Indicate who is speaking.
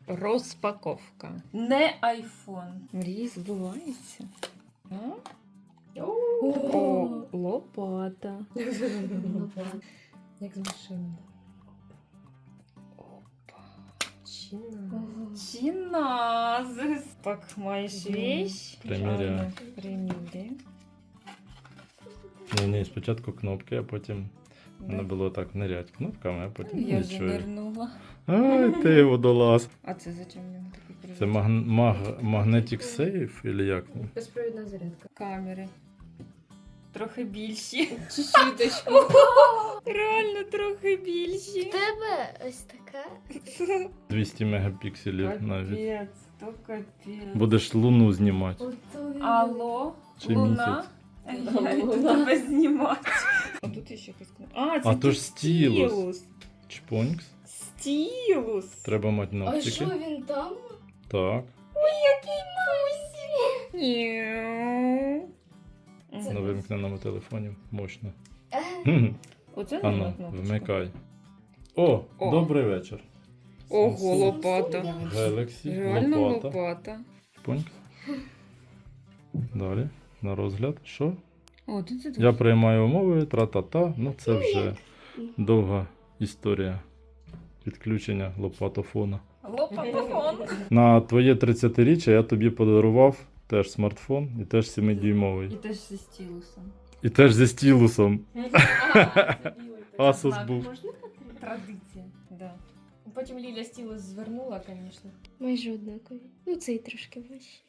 Speaker 1: Розпаковка.
Speaker 2: Не айфон.
Speaker 1: Мрії збуваються. А?
Speaker 3: О,
Speaker 1: О, лопата.
Speaker 3: як з машини.
Speaker 1: Опа.
Speaker 3: Чина.
Speaker 2: Чиназис.
Speaker 1: Так, маєш вещь?
Speaker 4: Приміряю.
Speaker 1: Приміряй.
Speaker 4: Ні, спочатку кнопки, а потім не було так нирять кнопками, а потім
Speaker 1: Я вже
Speaker 4: нічого.
Speaker 1: нирнула.
Speaker 4: Ай, ти водолаз.
Speaker 1: А це зачем в нього такий
Speaker 4: Це Magnetic Safe, или як?
Speaker 3: Безпровідна зарядка.
Speaker 1: камери?
Speaker 2: Трохи більші.
Speaker 3: Чуть-чуточку.
Speaker 1: Реально трохи більші.
Speaker 5: Тебе ось така.
Speaker 4: 200 мегапікселів навіть.
Speaker 2: Капець, то капець.
Speaker 4: Будеш луну знімати.
Speaker 2: Алло,
Speaker 4: Чи
Speaker 2: Луна?
Speaker 4: місяць?
Speaker 2: Я йду тебе знімати.
Speaker 1: А тут ще якась кнопка. А, це
Speaker 4: А то ж стілус. Чпонькс.
Speaker 1: Стілус.
Speaker 4: Треба мати
Speaker 5: А
Speaker 4: ногтики.
Speaker 5: що він там?
Speaker 4: Так.
Speaker 1: Няу.
Speaker 4: На вимкненому телефоні. Мощно.
Speaker 1: Оце
Speaker 4: Ану,
Speaker 1: нова кнопочка.
Speaker 4: вмикай. О,
Speaker 1: О.
Speaker 4: добрий вечір.
Speaker 1: Ого, лопата.
Speaker 4: Galaxy,
Speaker 1: Реально
Speaker 4: лопата.
Speaker 1: лопата.
Speaker 4: Чпонькс. Далі, на розгляд. Що?
Speaker 1: О, тут це
Speaker 4: Я приймаю умови, тра-та-та. Ну це вже довга історія підключення лопатофона.
Speaker 2: Лопатофон.
Speaker 4: На твоє 30-річчя я тобі подарував теж смартфон і теж 7-дюймовий.
Speaker 2: І теж зі стілусом.
Speaker 4: І теж зі стілусом.
Speaker 3: Асус
Speaker 4: Асус був.
Speaker 2: Традиція.
Speaker 1: Да.
Speaker 3: Потім Ліля стілус звернула, звісно.
Speaker 5: Майже однакові. Ну, цей трошки важче.